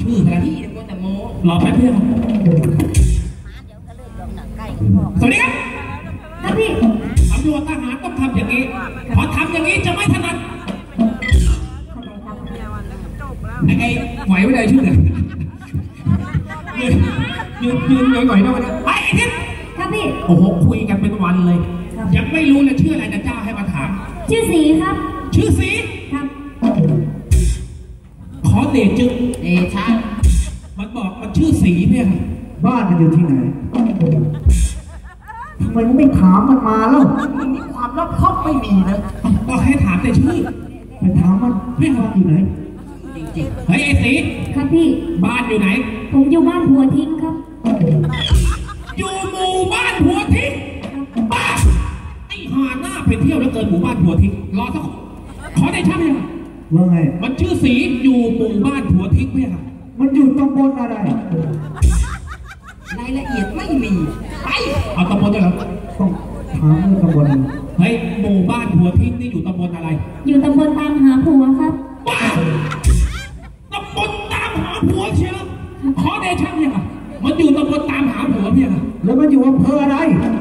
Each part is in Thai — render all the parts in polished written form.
ชื่ออะไรพี่ก็แต่โม้รอแป๊บเดียวสวัสดีครับครับพี่ตำรวจทหารต้องทำอย่างนี้พอทำอย่างนี้จะไม่ถนัดไอ้ไหวไม่ได้ชื่อเลยยืนหน่อยๆนะวันนี้ไอ้ทิศครับพี่โอ้โหคุยกันเป็นวันเลยยังไม่รู้เลยชื่ออะไรนะเจ้าให้มาถามชื่อสีครับชื่อสีครับขอเดชชะมันบอกมันชื่อสีเนี่ยบ้านมันอยู่ที่ไหนทำไมไม่ถามมันมาแล้วมันมีความรอบคอบไม่มีนะก็ให้ถามแต่ชื่อไปถามมันพี่บ้านอยู่ไหนจริงๆเฮ้ยไอ้สีครับพี่บ้านอยู่ไหนผมอยู่บ้านหัวทิ้งครับอยู่หมู่บ้านหัวทิ้งบ้าไอ้หาหน้าไปเที่ยวแล้วเกินหมู่บ้านหัวทิ้งรอสักขอได้ช่างยังว่าไงมันชื่อสีอยู่หมู่บ้านหัวทิ้งไหมครับมันอยู่ตำบลอะไรรายละเอียดไม่มีไปเอาตำบลอะไรต้องถามเรื่องตำบลเฮ้ยหมู่บ้านหัวทิ้งนี่อยู่ตำบลอะไรอยู่ตำบลตามหาผัวครับบ้าตำบลตามหาผัวเชียวขอได้ช่างยังมันอยู่ตำบลตามหาผัวเนี่ยแล้วมันอยู่อำเภออะไร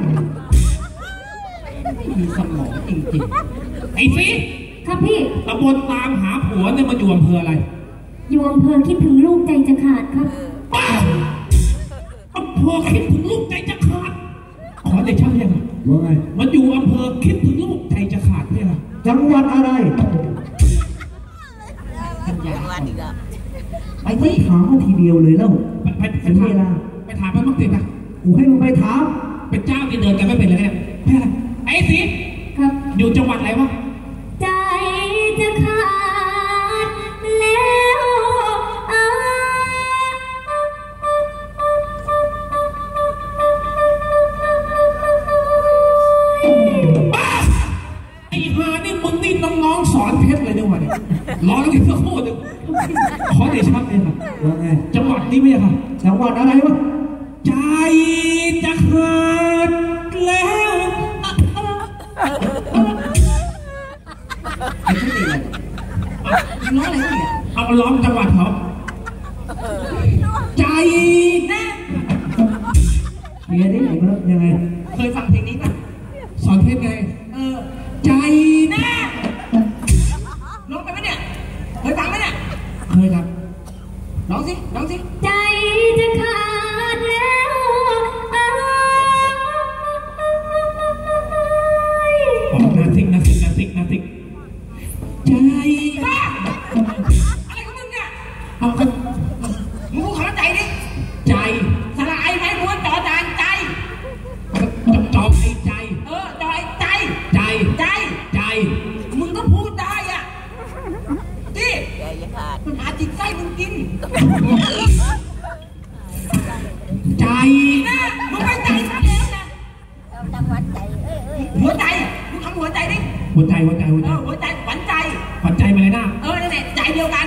ไม่มีสมองจริงๆไอ้สิครับพี่ตำบลตามหาผัวเนี่ยมันอยู่อำเภออะไรอยู่อำเภอคิดถึงลูกใจจะขาดครับบ้าอำเภอคิดถึงลูกใจจะขาดขอได้ช่างยังว่าไงมันอยู่อำเภอคิดถึงลูกใจจะขาดเนี่ยจังหวัดอะไรไปที่ถามมาทีเดียวเลยแล้วไปถามไปถามมันต้องติดนะกูให้มึงไปถามเป็นเจ้าที่เดินกันไม่เป็นเลยเนี่ยไอ้สิครับอยู่จังหวัดอะไรวะใจจะขาดแล้วไอ้ฮานี่มึงนี่น้องๆสอนเพชรเลยเนี่ยวันนี้ร้องกันสักโคตรขอเดชะเลยครับว่าไงจังหวัดนี้ไม่ใช่ครับจังหวัดอะไรวะใจจะขาดแล้วไอ้ที่นี่ร้องอะไรเนี่ยเอาร้องจังหวัดเขาใจนะเมียนี่ยังไงเคยฟังเพลงนี้ป่ะสอนเพชรไงใจนะร้องไปไหมเนี่ยเคยฟังไหมเนี่ยเคยครับร้องสิใจจะขาดแล้วนาสิกใจบ้าอะไรของมึงเนี่ยเอาก็มึงพูดคำว่าใจดิใจสลายไหมม้วนจอจานใจจอไอ้ใจจอยใจมึงก็พูดได้อ่ะดิมันหาจิตไส้มึงกินใจนะมึงไม่ใจซะแล้วนะจังหวัดใจหัวใจมึงทำหัวใจดิหัวใจหัวใจหวานใจมาเลยนะนั่นแหละใจเดียวกัน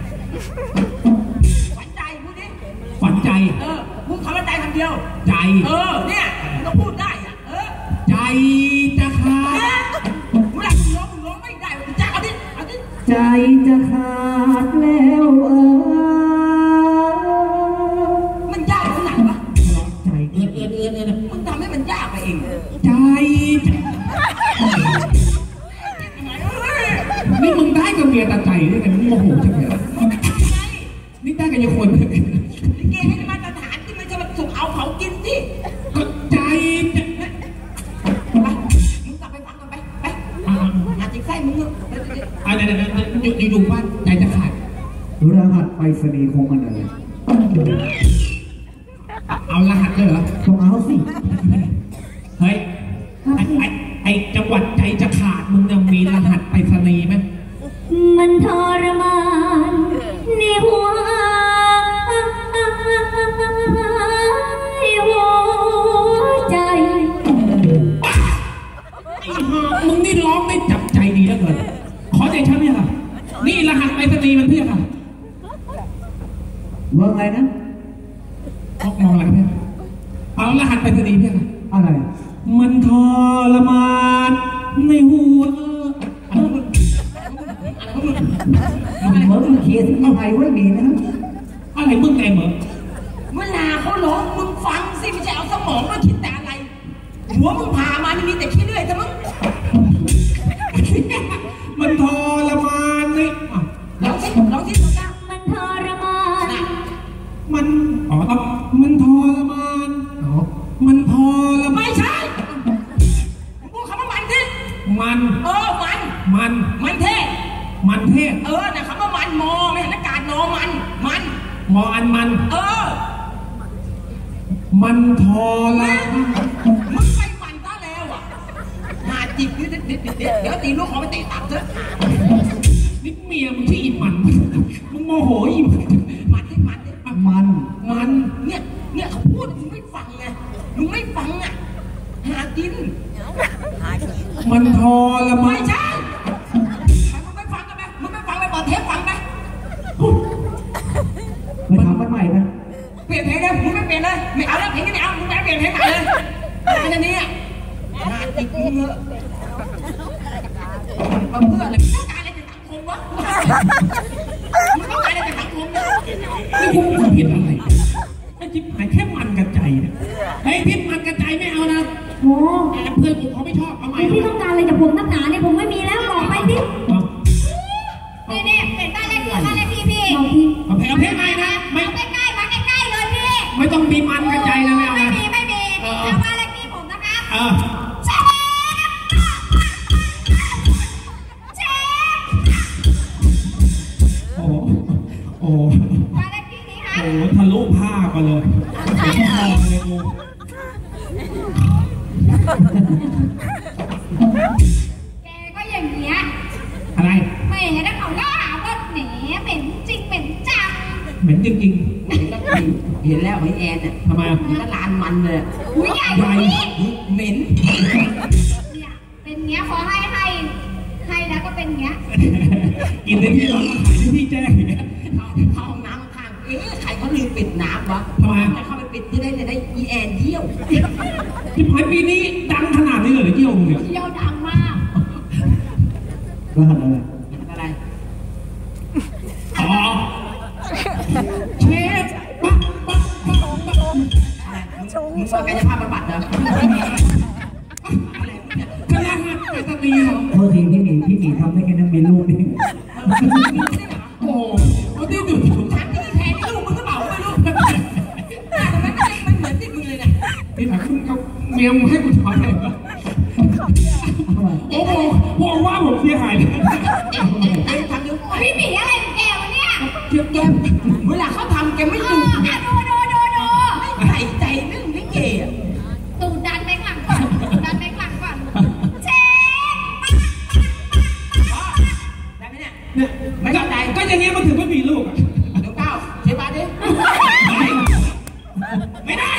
หวานใจพูดดิหวานใจพูดคำว่าใจคำเดียวใจเนี่ยมึงก็พูดได้อ่ะใจจะขาดมึงร้องไม่ได้มึงจะเอาดิใจจะขาดแล้วมันยากขนาดวะใจมึงทำให้มันยากไปเองใจนี่มึงได้กับเมียตาใจด้วยกันมึงโมโหใช่ไหมนี่ได้กับยังคนลิเกให้มาตรฐานที่ไม่ใช่มาสุกเอาเขากินสิก็ใจไปมึงกลับไปฟังกันไปหาจิตไส้มึงอยู่บ้านใจจะขาดรหัสไปรษณีย์ของมันอะไรเอารหัสเลยเหรอต้องเอาสิเฮ้ยไอ้จังหวัดใจจะขาดมึงยังมีรหัสไปรษณีย์ไหมมันทรมานในหัวใจมึงนี่ร้องได้จับใจดีแล้วเกินขอใจฉันเนี่ยค่ะนี่รหัสไปรษณีย์มันเพี้ยค่ะว่าไงนะมองอะไรเพี้ยเอารหัสไปรษณีย์เพี้ยค่ะอะไรมันทรมานในหัวเหมือนมันเขียนที่ไทยไว้ดีนะเอาอะไรมึงไงเหมือนเวลาเขาร้องมึงฟังสิไม่ใช่เอาสมองมาคิดแต่อะไรหัวมึงผ่ามานี่มีแต่ขี้เลื่อยแต่มึงมันทรมานนี่ลองสิตัวกลางมันทรมานมันต้องมันทรมานมันทรมานไม่ใช่พูดคำว่ามันสิมันมันเทศมันเทศนะคำว่ามันมอไม่เห็นอากาศนอมันมออันมันมันทรมานมึงไปมันซะแล้วอ่ะหาจิบเดี๋ยวตีลูกเขาไปเตะตับเถอะนี่เมียมึงที่อิ่มมันมึงโมโหอิ่มมันเนี่ยเขาพูดมึงไม่ฟังไงมึงไม่ฟังอ่ะหากินมันทรมานไม่ใช่มึงไม่ฟังกันไหมมึงไม่ฟังไปเปิดเทปฟังไหมไปทำมันใหม่นะเปลี่ยนเพลงเลยมึงไม่เปลี่ยนเลยไม่เอาแล้วเพลงนี้ไม่เอามึงไปเปลี่ยนเพลงใหม่เลยอันนี้อ่ะหาจิบมึงเถอะมาเพื่ออะไรมึงต้องการอะไรจากสังคมวะมึงต้องการอะไรจากสังคมเนี่ยนี่กูผิดอะไรไอ้จิ๊บหายแค่มันกระจายเนี่ยไอ้พิษมันกระจายไม่เอานะโอ้เพื่อนกูเขาไม่ชอบทำไมพี่ต้องการอะไรจากผมนักหนาเนี่ยผมไม่มีแล้วบอกไปสินี่เปลี่ยนบ้านเลขที่พี่บอกพี่เอาเพลงใหม่นะไม่ใกล้ๆมาใกล้ๆเลยพี่ไม่ต้องมีมันกระจายนะไม่เอาไม่นะมีเอาบ้านเลขที่ผมนะครับ เชฟโอ้บ้านเลขที่นี้ครับโหทะลุผ้าไปเลยเลยกูแกก็อย่างเงี้ยอะไรไม่เห็นแล้วเขาก็หาว่าแหมเป็นจริงเป็นจังเหม็นจริงเห็นแล้วไอ้แอนเนี่ยๆทำไมมันก็ลานมันเลยอุ้ยใหญ่กว่านี้เหม็นเนี่ยเป็นเงี้ยพอให้แล้วก็เป็นเงี้ยกินในที่ร้อนขายในที่แจ้งอย่างเงี้ยเข้าห้องน้ำข้างใครเขาลืมปิดน้ำวะทำไมจะเข้าไปปิดจะได้อีแอนเยี่ยวที่ผ่านปีนี้ดังขนาดนี้เลยเกี่ยวมึงเนี่ยเที่ยวดังมากรหัสอะไรอะไรอ๋อเชฟปั๊บปั๊บปั๊บปั๊บมึงว่ากายภาพบำบัดเหรอคณะหัดไปสตรีเหรอโทษทีพี่หมีทำได้แค่นั้นมีลูกนี่โอ้เขาที่ดูถูกถามที่แทนลูกมึงก็เบาไปลูกแต่มันเหมือนที่มึงเลยเนี่ยที่ถามคุณกับเมียมึงให้กูถอนอะไรวะโอ้โหบอกว่าผมเสียหายเลยทำดูพี่หมีอะไรของแกวะเนี่ยเทียบแกเวลาเขาทำแกไม่ดูดูใส่ใจเรื่องลิเกอ่ะตูดดันไปข้างหลังก่อนเชฟได้ไหมเนี่ยเนี่ยก็อย่างเงี้ยมันถึงไม่มีลูกอ่ะเดี๋ยวก้าวเชฟบาดิไม่ได้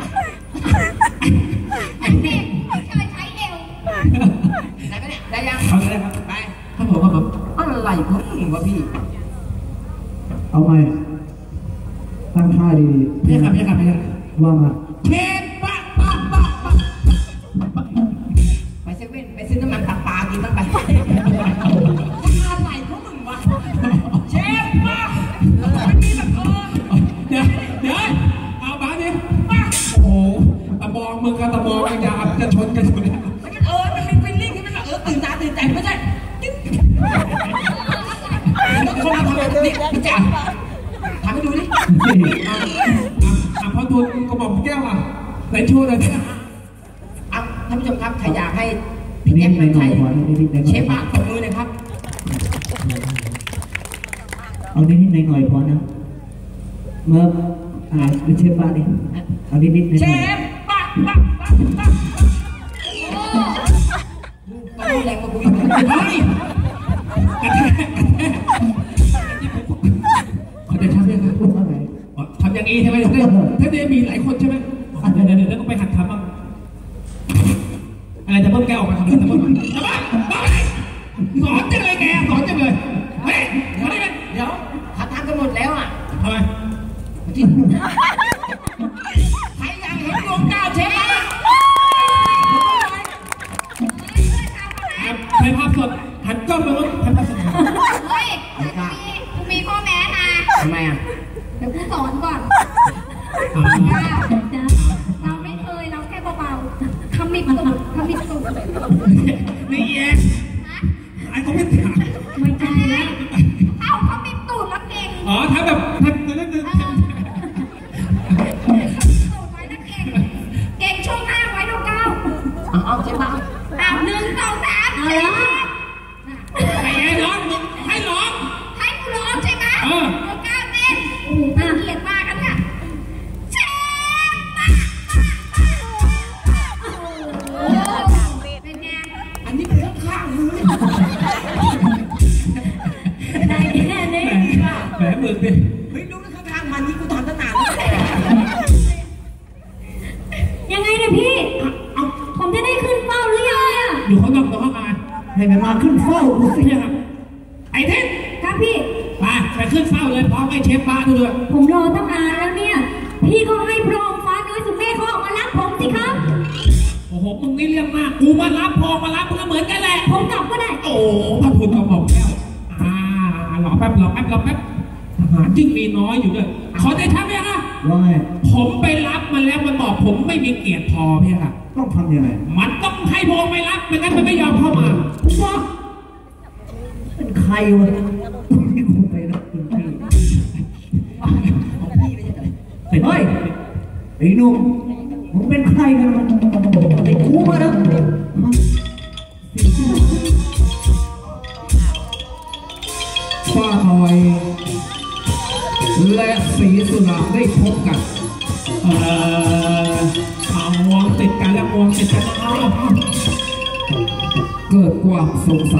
ไอ้เด็กไม่เคยใช้เอวได้ไหมเนี่ยได้ยังเอาเลยครับไปครับผมครับผมอะไรของมึงวะพี่เอาใหม่ตั้งท่าดีพี่ครับพี่ครับพี่ครับๆว่ามาเชฟปะปะปะปะไปเซเว่นไปซื้อน้ำมันตับปลากินบ้างไปอะไรของมึงวะเชฟมาไม่มีแบบเดี๋ยวเอาบ้าดิโอ้โหตะบองมึงกับตะบองกันยาจะชนกันอยู่เนี่ยมันเป็นฟีลลิ่งที่มันแบบตื่นตาตื่นใจไม่ใช่คนเราทำแบบนี้พี่แจ๊คทำให้ดูดิพอทูลกระบอกแก้วอ่ะไหนชูเลยเนี่ยท่านผู้ชมครับใครอยากให้พี่แจ๊คมันไทยเชฟปากตบมือเลยครับเอานิดๆหน่อยๆพอนะเมื่อเชฟบ้านนี่เอานิดๆหน่อยเชฟปากปากปากปากต้องแรงมาคุยเฮ้ยเขาจะทำยังไงๆพูดว่าไงทำอย่างนี้ใช่ไหมถ้าเดี๋ยวมีหลายคนใช่ไหมเดี๋ยวก็ไปหัดทำบ้างอะไรจะเพิ่มแก้วออกมาทำอะไรจะเพิ่มจะบ้าสอนจังเลยแกสอนจังเลยเฮ้ยเดี๋ยวเขาทำกันหมดแล้วอ่ะทำไมใครอยากเห็นดวงดาวเชฟถ่ายภาพสดหันกล้องไปว่าถ่ายภาพสดเฮ้ยกูมีข้อแม้นะทำไมอ่ะเเดี๋ยวกูสอนก่อนอ่าเราไม่เคยเราแค่เบาๆขมิบตูดขมิบตูดนี่แย่ไอ้เขาไม่ถามไม่ใช่แล้วเอาขมิบตูดแล้วเก่งอ๋อถ้าแบบถ้านั่นตูดไว้นะเก่งเก่งช่วงหน้าไว้ดูเก้าเอาใช่ปะ 1 2 3เอาละไอ้แย่ร้องให้ร้องให้กูร้องใช่ไหมดูเก้าเต้นโอ้โหน่าเกลียดมากกันเนี่ยเชฟป้าโอ้เป็นไงอันนี้เป็นข้างๆมือได้แค่นี้แหมมือดิเฮ้ยดูนะข้างๆมันนี่กูทำตั้งนานยังไงเนี่ยพี่ผมจะได้ขึ้นเป้าหรือยังเนี่ยอยู่ข้างนอกตัวข้างในให้มันมาขึ้นเฝ้ากูสิเนี่ยครับไอ้เทศครับพี่ไปขึ้นเฝ้าเลยพร้อมไอ้เชฟป้าด้วยผมรอตั้งนานแล้วเนี่ย พี่ก็ให้พระองค์ฟ้าน้อยสุเมฆเขาออกมารับผมสิครับโอ้โหมึงนี่เรียกมากกูมารับพอมารับมึงก็เหมือนกันแหละผมกลับก็ได้โอ้พระทุนกระหม่อมแก้วรอแป๊บทหารยิ่งมีน้อยอยู่ด้วยขอได้ทักไหมคะว่าไงผมไปรับมันแล้วมันบอกผมไม่มีเกียรติพอพี่ค่ะต้องทำยังไงมันต้องให้พงไปรับไม่งั้นมันไม่ยอมเข้ามาว่าเป็นใครวะที่กูไปรับคุณพี่ของพี่ไม่ใช่เหรอเฮ้ยไอ้หนุ่มมึงเป็นใครกันมันไอ้กูมานะป้าหน่อยและสีสุราได้พบกันเอางวงติดกันแล้วงวงติดกันเอาเกิดความสงสัย